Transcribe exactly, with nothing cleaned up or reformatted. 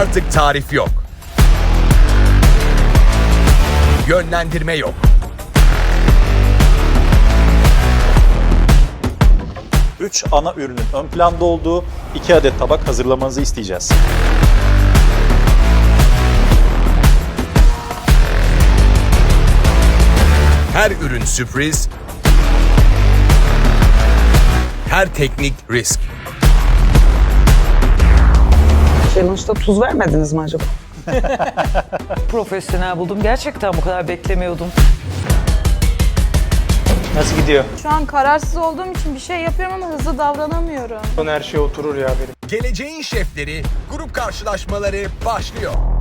Artık tarif yok. Yönlendirme yok. Üç ana ürünün ön planda olduğu iki adet tabak hazırlamanızı isteyeceğiz. Her ürün sürpriz. Her teknik risk. Challenge'da tuz vermediniz mi acaba? Profesyonel buldum. Gerçekten bu kadar beklemiyordum. Nasıl gidiyor? Şu an kararsız olduğum için bir şey yapıyorum ama hızlı davranamıyorum. Her şey oturur ya benim. Geleceğin şefleri grup karşılaşmaları başlıyor.